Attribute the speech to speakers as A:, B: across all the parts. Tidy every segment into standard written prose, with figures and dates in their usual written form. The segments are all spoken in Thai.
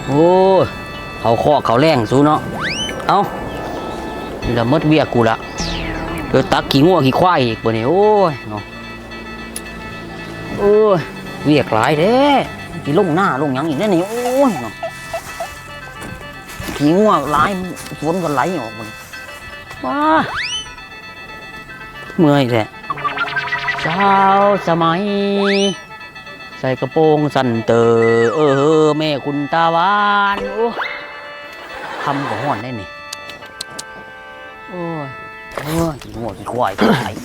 A: โอ้เขาข้อเขาแรงสู้เนาะเอานี่ละมดเวียกกูละเดี๋ยวตักขี้งัวขี้ควายอีกบ่เนี่ยโอ้ยเนาะโอ้ยเวียกหลายเด้ที่ลงหน้าลงหยังอีกแน่นี่โอ้ยเนาะขี้งัวหลายฝนก็ไหลออกมันว้าเมื่อยแท้สาวสมัยใส่กระโปรงสั้นเตอแม่คุณตาหวานโอ้ทำกับห่อนได้นี่โอ้ยขี้งัวขี้ควายขี้ไหล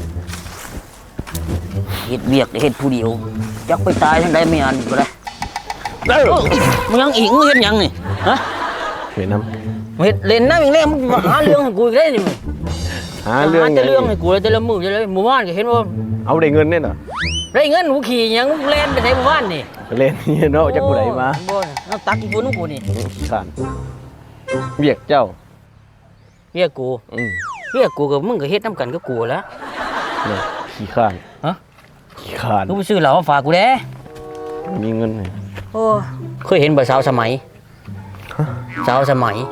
A: เฮ็ดเวียกเฮ็ดผู้เดียวจักไปตายทั้งใดไม่อันก็ได้มึงยังอีกมึงเฮ็ดยังนี่ฮะ
B: เห็นน้ำ
A: เฮ็ดเล่นน้ำอีกแล้วมึงมาหาเรื่องให้กูอีกได้นี่มึง
B: หาเรื่อง
A: จะเรื่องให้กูเลยแต่ละมื้อจะเลยหมู่บ้านก็เห็นว่า
B: เอาได้เงินเนี่ยเหรอ
A: ได้เงินกูขี่ยังเล่นไปไสหมู่บ้านนี่
B: ไปเล่นนี่เนาะจักกูไหนมา
A: บ่เอาตักอีกคนกูนี่
B: ขานเบียกเจ้า
A: เรียกกูเรียกกูกับมึงก็เฮ็ดน้ำกันกับกูแล้ว
B: เนี่ยขี้ข้าน
A: ฮะ
B: ขี้ข้าน
A: กูไปซื้อเหล้ามาฝากกูเด้
B: มีเงินไหม
A: โอ้เคยเห็นบ่สาวสมัยสาวสมัย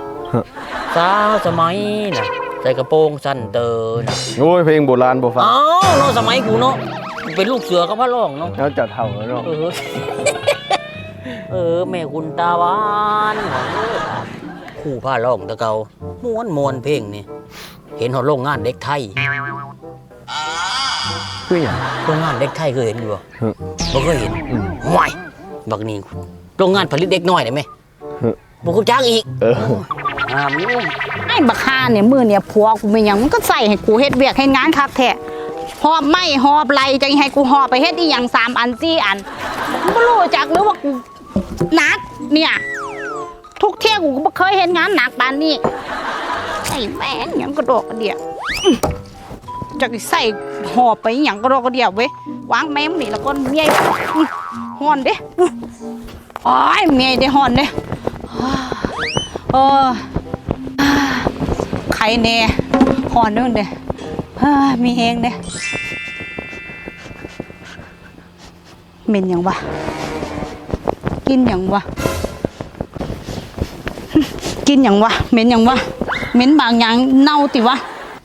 A: น่ะใส่กระโปรงสั้นเตอน่ะ
B: โอ้ยเพลงโบราณโบฟัง
A: อ้าวเนาะสมัยกูเนาะเป็นลูกเสือกับพระร่องเนาะ
B: แล้วจะเท่าเนาะ
A: แม่คุณตาหวานคู่พระร่องตะเกาม้วนเพลงนี่เห็นเขาโรงงานเด็กไทย
B: คืออย่าง
A: โรงงานเด็กไทยเคยเห็นอยู่บ่เคยเห็นห่วยบักนี่โรงงานผลิตเด็กน้อยได้ไหมบ่กูจ้างอีก
C: ไอ้บักฮาเนี่ยมือเนี่ยผัวกูไม่ยังมันก็ใส่ให้กูเฮ็ดเวียกให้งานคักแท้หอบไม่หอบไหลจะให้กูหอบไปเฮ็ดอีหยัง3 อัน4 อันบ่รู้จักหรือว่ากูหนักเนี่ยทุกเที่ยกูก็บ่เคยเห็นงานหนักปานนี้ไอ้แม่งหยังกระดอกกระเดี่ยจักใส่หอบไปหยังกระดอกกระเดี่ยเว้ยวางแม่มนี่แล้วก็เมียฮ้อนเด้อ้ายเมียได้ฮ้อนเด้ใครเน่หอนด้วยเด้มีเฮงเด้เหม็นยังวะกินยังวะกินยังวะเหม็นยังวะเหม็นบางอย่างเน่าติวะ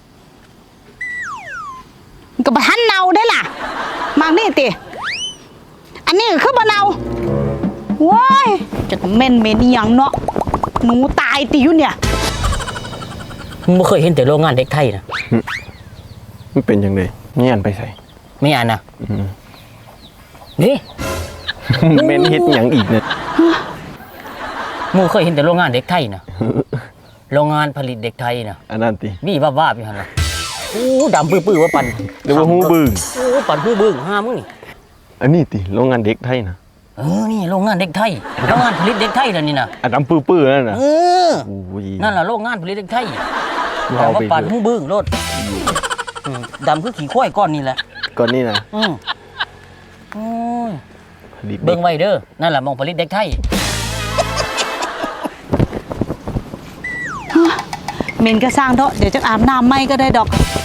C: กับท่านเน่าได้ล่ะบางนี่ติอันนี้คือบ่เน่าว้ายจะเหม็นอย่างเนาะหนูตายติอยู่เนี่ย
A: มึงไม่เคยเห็นแต่โรงงานเด็กไทยนะ
B: มันเป็นยังไงไม่อ่านไปใส่
A: ไม่อ่านนะนี่
B: เมนฮิตอย่างอีกเนี่ย
A: มึงเคยเห็นแต่โรงงานเด็กไทยนะโรงงานผลิตเด็กไทยนะ
B: อันนั้นติ
A: มีบ้าพี่ฮันนะโอ้ดำปื้อว่าปั่น
B: หรือว่าหูบึ้ง
A: โอ้ปั่นหูบึ้งห้ามึงนี่
B: อันนี้ติโรงงานเด็กไทยนะ
A: นี่โรงงานเด็กไทยโรงงานผลิตเด็กไทยแล้วนี่นะ
B: อันดำปื้อนั่นนะ
A: นั่นแหละโรงงานผลิตเด็กไทยแต่ว่าปั่นหูบึ้งรถดำคือขี้ควายก้อนนี่แหละ
B: ก้อนนี่นะ
A: เบิ่งไว้เด้อนั่นแหละมองผลิตเด็กไทย
C: เมนก็สร้างเถอะเดี๋ยวจะอาบน้ำไม่ก็ได้ดอก